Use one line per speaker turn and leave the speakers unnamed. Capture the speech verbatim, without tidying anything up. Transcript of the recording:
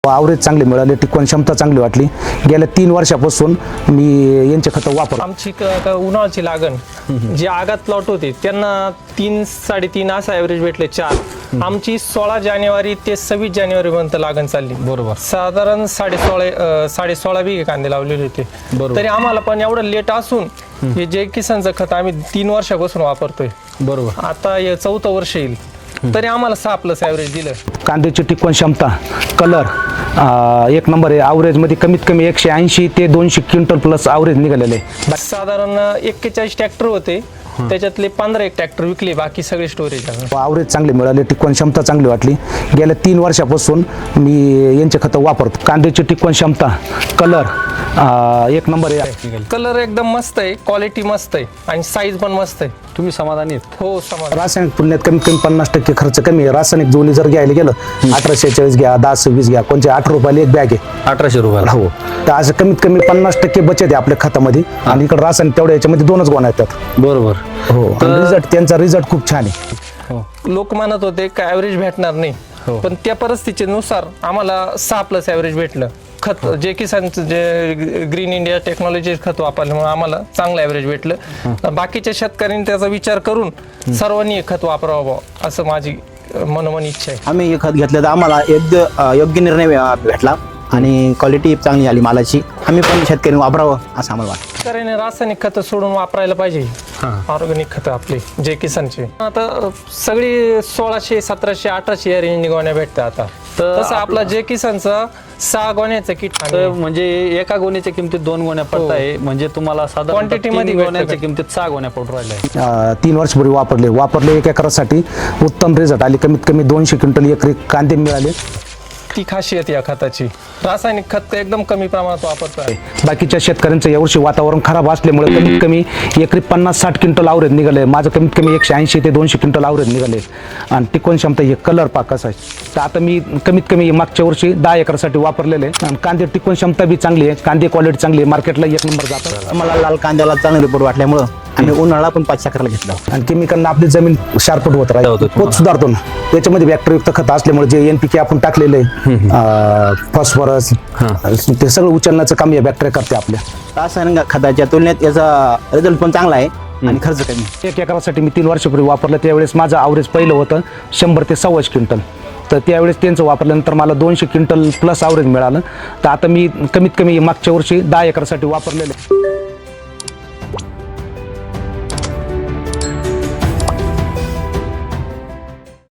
Average चांगले मिळाले, टिकवण क्षमता चांगली वाटली. गेल्या तीन वर्षापासून मी यांचे खतं वापरतो.
आमची क- क- उन्हाळ्याची लागण जे आगात प्लॉट होते त्यांना तीन साडेतीन असं ॲव्हरेज भेटले चार. आमची सोळा जानेवारी ते सव्वीस जानेवारी पर्यंत लागण चालली.
बरोबर.
साधारण साडे सोळा साडे सोळा बिघे कांदे लावलेले होते.
बरोबर.
तरी आम्हाला पण एवढं लेट असून हे जय किसानचं खत आम्ही तीन वर्षापासून वापरतोय.
बरोबर.
आता हे चौथं वर्ष येईल तरी आम्हाला सहा प्लस ॲव्हरेज दिलं.
कांद्याची टिकवण क्षमता, कलर एक नंबर आहे. आवरेजमध्ये कमीत कमी एकशे ऐंशी ते दोनशे क्विंटल प्लस आवरेज निघालेले आहे.
साधारण एक्केचाळीस ट्रॅक्टर होते, त्याच्यातले पंधरा एक ट्रॅक्टर विकले, बाकी सगळे स्टोरेज आहे.
आवरेज चांगले मिळाले, टिकवण क्षमता चांगली वाटली. गेल्या तीन वर्षापासून मी यांचे खतं वापरतो. कांद्याची टिकवण क्षमता, कलर एक नंबर आहे.
कलर एकदम मस्त आहे, क्वालिटी मस्त आहे आणि साईज पण मस्त आहे.
तुम्ही समाधानी आहेत?
हो समाज.
रासायनिक तुलनेत कमीत कमी पन्नास टक्के खर्च कमी आहे. रासायनिक जोली जर घ्यायला गेलं अठराशे चाळीस घ्या, दहा सव्वीस घ्या, कोणते आठ रुपयाला एक बॅग आहे.
अठराशे रुपयाला.
हो, तर असं कमीत कमी पन्नास टक्के बचत आहे आपल्या खतामध्ये. आणि इकडे रासायनिक तेवढ्या याच्यामध्ये दोनच गोण्या येतात.
बरोबर.
हो, रिझल्ट त्यांचा रिझल्ट खूप छान आहे.
हो.
लोक म्हणत होते का ॲव्हरेज भेटणार नाही,
हो.
पण त्या परिस्थितीनुसार आम्हाला सहा प्लस ॲव्हरेज भेटलं. खत जे किसानचं जे ग्रीन इंडिया टेक्नॉलॉजी खत वापरल्यामुळे आम्हाला चांगलं ॲव्हरेज भेटलं. बाकीच्या शेतकऱ्यांनी त्याचा विचार करून सर्वांनी हे खत वापरावं असं माझी मनोमन इच्छा आहे.
आम्ही हे खत घेतलं तर आम्हाला योग्य योग्य निर्णय भेटला आणि क्वालिटी चांगली आली मालाची. आम्ही पण शेतकऱ्यांनी वापरावं असं आम्हाला वाटतं.
शेतकऱ्याने रासायनिक खतं सोडून वापरायला पाहिजे ऑर्गॅनिक खतं आपले जे किसानचे. आता सगळी सोळाशे सतराशे अठराशे या रेंज गोण्या भेटतात. आता तसं आपला जे किसानचा सहा गोण्याचं किट
तर म्हणजे एका गोण्याच्या किमतीत दोन गोण्या पडत आहे, म्हणजे तुम्हाला साधारण
Quantity मध्ये भेटतं
गोण्याच्या
का?
किमतीत सहा गोण्या पडू राहिल्या.
अं, तीन वर्षपूर्वी वापरले वापरले एक एकरासाठी उत्तम रिझल्ट आले. कमीत कमी दोनशे क्विंटल एकरी कांदे मिळाले.
ती खासियत या खताची. रासायनिक खत एकदम कमी प्रमाणात वापरतोय.
बाकीच्या शेतकऱ्यांचं यावर्षी वातावरण खराब असल्यामुळे कमीत कमी एकरी पन्नास साठ क्विंटल आवरेज निघाले. माझं कमीत कमी एकशे ऐंशी ते दोनशे क्विंटल आवरेज निघाले. आणि टिकवण क्षमता हे कलर पाकच आहे. तर आता मी कमीत कमी मागच्या वर्षी दहा एकरासाठी वापरलेले आहे. आणि कांदे टिकवण क्षमता बी चांगली आहे, कांदे क्वालिटी चांगली आहे, मार्केटला एक नंबर जातं.
आम्हाला लाल कांद्याला चांगले रिपोर्ट वाटल्यामुळं आम्ही उन्हाळा पण पाच चक्राला घेतला.
आणि केमिकलनं आपली जमीन शार्पट होत राहते, पोत सुधारतो ना. त्याच्यामध्ये बॅक्टेरियायुक्त खत असल्यामुळे जे एन पी के आपण टाकलेलं आहे, फॉस्फरस, ते सगळं उचलण्याचं काम या बॅक्टेरिया करते आपल्या.
रासायनिक खताच्या तुलनेत याचा रिझल्ट पण चांगला आहे आणि खर्च कमी.
एक एकरासाठी मी तीन वर्षापूर्वी वापरलं, त्यावेळेस माझं आवरेज पहिलं होतं शंभर ते सव्वाशे क्विंटल. तर त्यावेळेस त्यांचं वापरल्यानंतर मला दोनशे क्विंटल प्लस आवरेज मिळालं. तर आता मी कमीत कमी मागच्या वर्षी दहा एकरासाठी वापरलेलं आहे.